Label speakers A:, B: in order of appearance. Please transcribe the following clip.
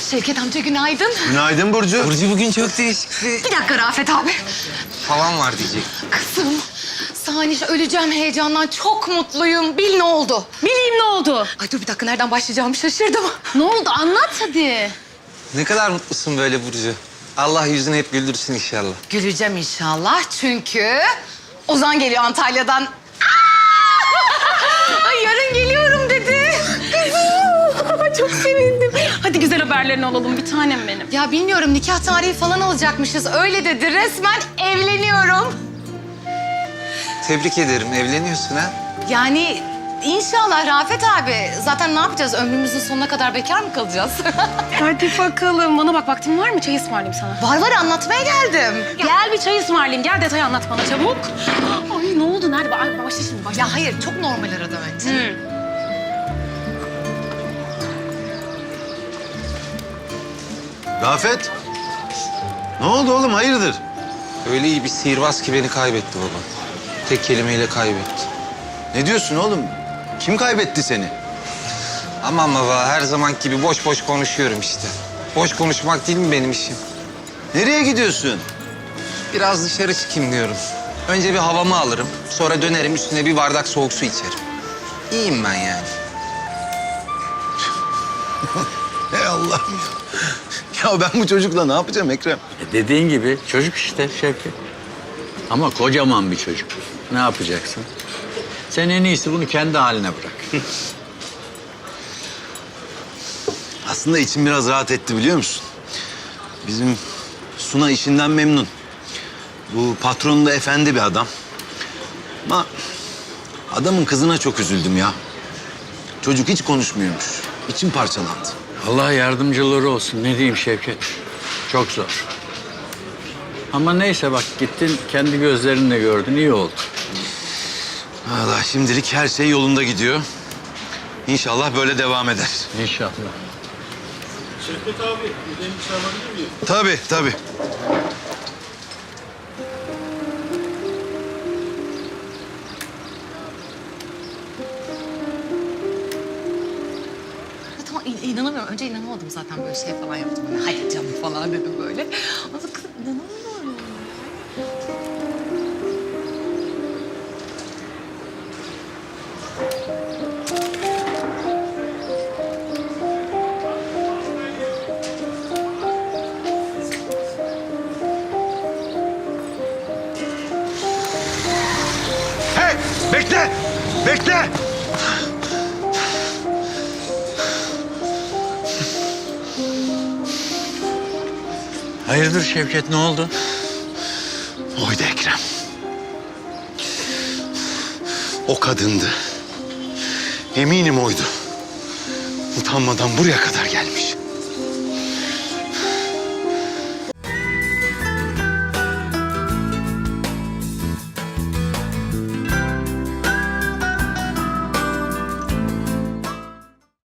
A: Şevket amca günaydın.
B: Günaydın Burcu.
C: Burcu bugün çok değişik
A: Bir dakika Rafet abi.
C: falan var diyecek.
A: Kızım, saniye öleceğim heyecandan. Çok mutluyum. Bil ne oldu?
D: Bileyim ne oldu?
A: Ay dur bir dakika nereden başlayacağımı şaşırdım.
D: Ne oldu? Anlat hadi.
C: Ne kadar mutlusun böyle Burcu. Allah yüzünü hep güldürsün inşallah.
A: Güleceğim inşallah çünkü Ozan geliyor Antalya'dan. Aa! Ay yarın geliyorum dedi.
D: Çok sevindim. Hadi güzel haberlerini alalım bir tanem benim.
A: Ya bilmiyorum nikah tarihi falan alacakmışız. Öyle dedi. Resmen evleniyorum.
C: Tebrik ederim. Evleniyorsun ha?
A: Yani inşallah Rafet abi. Zaten ne yapacağız? Ömrümüzün sonuna kadar bekar mı kalacağız?
D: Hadi bakalım. Bana bak vaktin var mı? Çay ısmarlayayım sana.
A: Var anlatmaya geldim.
D: Gel bir çay ısmarlayayım. Gel detayı anlat bana çabuk. Ay ne oldu? Nerede? Başla şimdi başla.
A: Ya hayır çok normal arada önce.
B: Rafet. Ne oldu oğlum hayırdır?
C: Öyle iyi bir sihirbaz ki beni kaybetti baba. Tek kelimeyle kaybetti.
B: Ne diyorsun oğlum? Kim kaybetti seni?
C: Aman baba her zaman gibi boş boş konuşuyorum işte. Boş konuşmak değil mi benim işim?
B: Nereye gidiyorsun?
C: Biraz dışarı çıkayım diyorum. Önce bir havamı alırım. Sonra dönerim üstüne bir bardak soğuk su içerim. İyiyim ben yani.
B: Ey Allah. Ya ben bu çocukla ne yapacağım Ekrem?
E: Dediğin gibi çocuk işte Şevket. Ama kocaman bir çocuk. Ne yapacaksın? Sen en iyisi bunu kendi haline bırak.
B: Aslında içim biraz rahat etti biliyor musun? Bizim Suna işinden memnun. Bu patronu da efendi bir adam. Ama adamın kızına çok üzüldüm ya. Çocuk hiç konuşmuyormuş. İçim parçalandı.
E: Allah yardımcıları olsun. Ne diyeyim Şevket? Çok zor. Ama neyse bak gittin kendi gözlerinle gördün. İyi oldu.
B: Valla şimdilik her şey yolunda gidiyor. İnşallah böyle devam eder.
E: İnşallah.
F: Şevket abi, bir çay alabilir miyim?
B: Tabii.
A: Ya tamam inanamıyorum. Önce inanamadım zaten böyle şey falan yaptım. Böyle, hadi canım falan dedim böyle. Ama kızım inanamıyorum.
B: Hey! Bekle!
E: Hayırdır Şevket ne oldu?
B: Oydu Ekrem. O kadındı. Eminim oydu. Utanmadan buraya kadar gelmiş.